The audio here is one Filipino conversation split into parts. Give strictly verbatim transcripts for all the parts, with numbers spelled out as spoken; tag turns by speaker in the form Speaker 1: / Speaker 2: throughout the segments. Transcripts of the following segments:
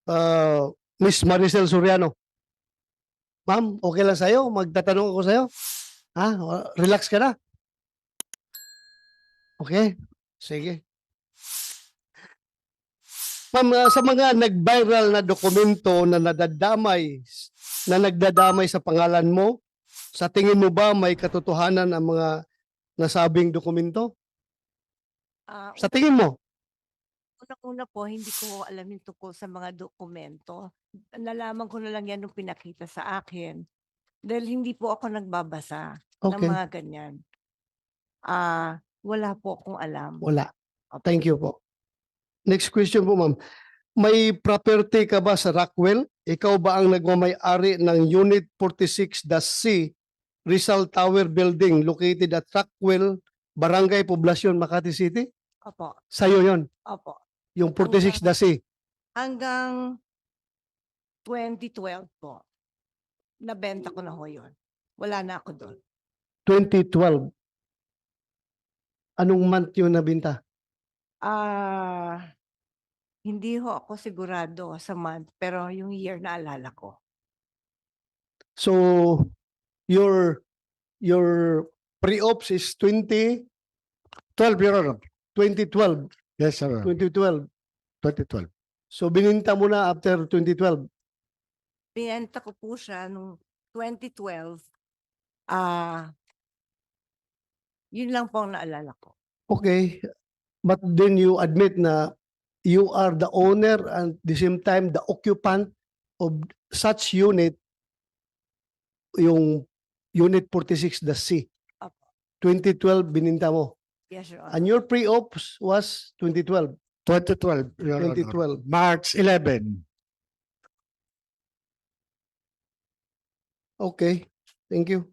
Speaker 1: uh, Miss Maricel Soriano. Ma'am, okay lang sa'yo? Magtatanong ako sa'yo? Ha? Relax ka na? Okay? Sige. Ma'am, uh, sa mga nag-viral na dokumento na nadadamay, na nagdadamay sa pangalan mo, sa tingin mo ba may katotohanan ang mga nasabing dokumento?
Speaker 2: Ah,
Speaker 1: Sa tingin mo?
Speaker 2: unang-una po, hindi ko alam yung tungkol sa mga dokumento. Nalaman ko na lang yan nung pinakita sa akin. Dahil hindi po ako nagbabasa ng
Speaker 1: Okay.
Speaker 2: mga ganyan. Ah, wala po akong alam.
Speaker 1: Wala.
Speaker 2: Opo.
Speaker 1: Thank you po. Next question po, ma'am. May property ka ba sa Rockwell? Ikaw ba ang nagmamay-ari ng Unit forty-six C Rizal Tower Building located at Rockwell, Barangay Poblacion, Makati City?
Speaker 2: Opo.
Speaker 1: Sa'yo yon,
Speaker 2: Opo.
Speaker 1: yung forty-six C.
Speaker 2: Hanggang twenty twelve po, nabenta ko na ho yun. Wala na ako doon.
Speaker 1: twenty twelve. Anong month yun nabinta?
Speaker 2: Ah, hindi ho ako sigurado sa month, pero yung year na alala ko.
Speaker 1: So, your your pre-ops is twenty twelve, Your Honor. twenty twelve.
Speaker 3: Yes, sir.
Speaker 1: twenty twelve.
Speaker 3: twenty twelve.
Speaker 1: So, bininta mo na after twenty twelve.
Speaker 2: Binenta ko po siya nung twenty twelve. Ah, yun lang po ang naalala ko.
Speaker 1: Okay. But then you admit na you are the owner and at the same time the occupant of such unit, yung Unit forty-six C.
Speaker 2: Opo.
Speaker 1: twenty twelve bininta mo.
Speaker 2: Yes, Your
Speaker 1: And
Speaker 2: Honor.
Speaker 1: your pre-ops was twenty twelve.
Speaker 3: twenty twelve, Your Honor.
Speaker 1: twenty twelve.
Speaker 3: March eleventh.
Speaker 1: Okay. Thank you.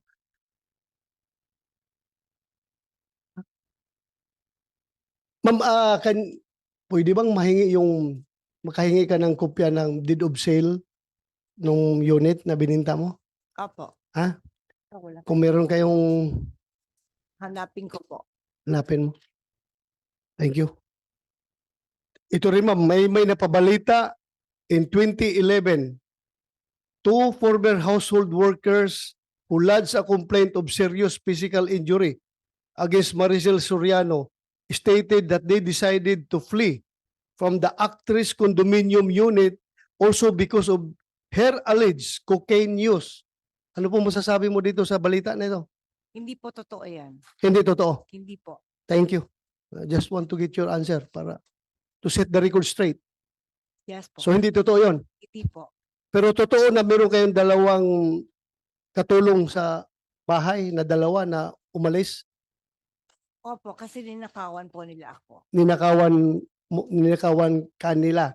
Speaker 1: Ma'am, ah, kan, pwede bang mahingi yung, makahingi ka ng kopya ng deed of sale nung unit na bininta mo?
Speaker 2: Opo.
Speaker 1: Ha?
Speaker 2: Ako lang.
Speaker 1: Kung meron kayong
Speaker 2: Hanapin ko po.
Speaker 1: hanapin mo. Thank you. Ito rin ma'am, may, may napabalita in twenty eleven. Two former household workers who lodged a complaint of serious physical injury against Maricel Soriano stated that they decided to flee from the actress condominium unit also because of her alleged cocaine use. Ano po masasabi mo dito sa balita na ito?
Speaker 2: Hindi po totoo yan.
Speaker 1: Hindi totoo.
Speaker 2: Hindi po.
Speaker 1: Thank you. I just want to get your answer para to set the record straight.
Speaker 2: Yes po.
Speaker 1: So hindi totoo yon.
Speaker 2: Hindi po.
Speaker 1: Pero totoo na meron kayong dalawang katulong sa bahay na dalawa na umalis,
Speaker 2: Opo, kasi ninakawan po nila ako.
Speaker 1: ninakawan, mo- ninakawan kanila.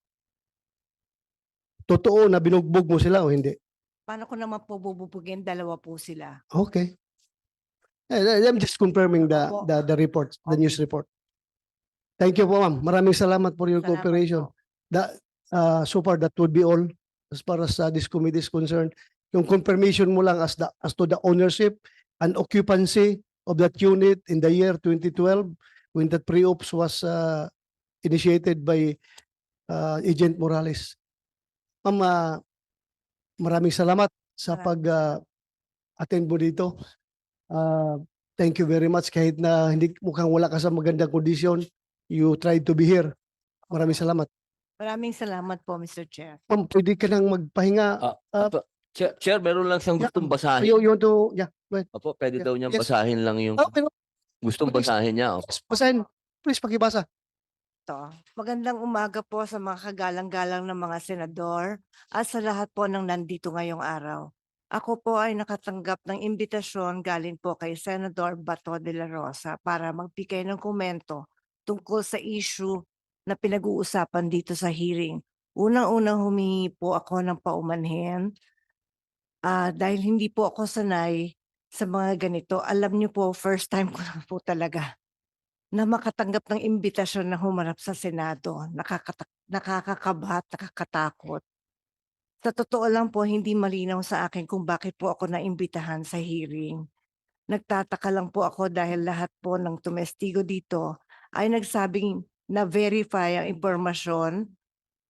Speaker 1: Totoo na binugbog mo sila o hindi?
Speaker 2: Paano ko naman po bububugin? Dalawa po sila.
Speaker 1: Okay. Eh, I'm just confirming the,
Speaker 2: Opo.
Speaker 1: the, the report, the
Speaker 2: Okay.
Speaker 1: news report. Thank you po ma'am. Maraming salamat for your
Speaker 2: Salamat
Speaker 1: cooperation.
Speaker 2: po.
Speaker 1: That, uh, so far, that would be all as far as uh, this committee is concerned. Yung confirmation mo lang as, the, as to the ownership and occupancy of that unit in the year twenty twelve when that pre-ops was uh, initiated by uh, Agent Morales. Ma'am, uh, maraming salamat sa
Speaker 2: Maraming
Speaker 1: pag uh, attend mo dito. Uh, thank you very much kahit na hindi mukhang wala ka sa magandang kondisyon. You tried to be here. Maraming salamat.
Speaker 2: Maraming salamat po, Mister Chair.
Speaker 1: Ma'am, pwede ka nang magpahinga.
Speaker 4: Ah,
Speaker 1: Ah,
Speaker 4: Apo, Chair, Chair, meron lang siyang
Speaker 1: Yeah.
Speaker 4: gustong basahin.
Speaker 1: You, you want to, yeah. Go ahead.
Speaker 4: Opo, pwede
Speaker 1: Yeah.
Speaker 4: daw niyang
Speaker 1: Yes.
Speaker 4: basahin lang yung
Speaker 1: Oh, pero
Speaker 4: gustong
Speaker 1: please.
Speaker 4: basahin niya. Opo.
Speaker 1: basahin. Please, pakibasa.
Speaker 2: To. Magandang umaga po sa mga kagalang-galang ng mga senador at sa lahat po ng nandito ngayong araw. Ako po ay nakatanggap ng imbitasyon galing po kay Senador Bato de la Rosa para magbigay ng komento tungkol sa issue na pinag-uusapan dito sa hearing. Unang-unang humingi po ako ng paumanhin ah, dahil hindi po ako sanay sa mga ganito. Alam niyo po, first time ko na po talaga na makatanggap ng imbitasyon na humarap sa Senado. Nakakata- nakakakabahat, nakakatakot. Sa totoo lang po, hindi malinaw sa akin kung bakit po ako naimbitahan sa hearing. Nagtataka lang po ako dahil lahat po ng tumestigo dito ay nagsabing na-verify ang impormasyon.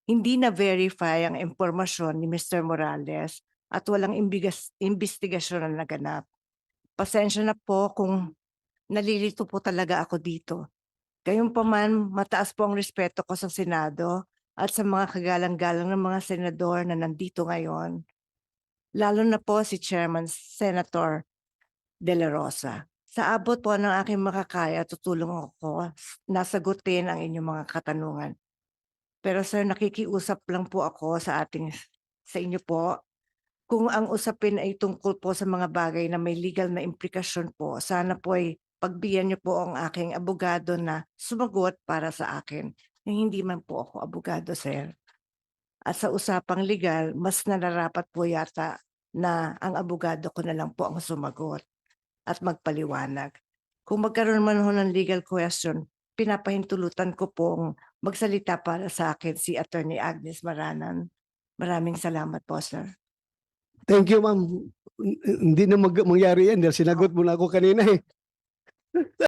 Speaker 2: hindi na-verify ang impormasyon ni Mister Morales at walang imbigas, investigasyon na naganap. Pasensya na po kung nalilito po talaga ako dito. Gayunpaman, mataas po ang respeto ko sa Senado at sa mga kagalang-galang ng mga senador na nandito ngayon. Lalo na po si Chairman Senator De La Rosa. Sa abot po ng aking makakaya, tutulong ako na sagutin ang inyong mga katanungan. Pero sir, nakikiusap lang po ako sa ating sa inyo po. Kung ang usapin ay tungkol po sa mga bagay na may legal na implikasyon po, sana po ay pagbigyan niyo po ang aking abogado na sumagot para sa akin. Hindi man po ako abogado, sir. At sa usapang legal, mas nararapat po yata na ang abogado ko na lang po ang sumagot at magpaliwanag. Kung magkaroon man ho ng legal question, pinapahintulutan ko pong magsalita para sa akin si Attorney Agnes Maranan. Maraming salamat po, sir.
Speaker 1: Thank you, ma'am. Hindi na mag mangyari yan dahil sinagot mo na ako kanina eh.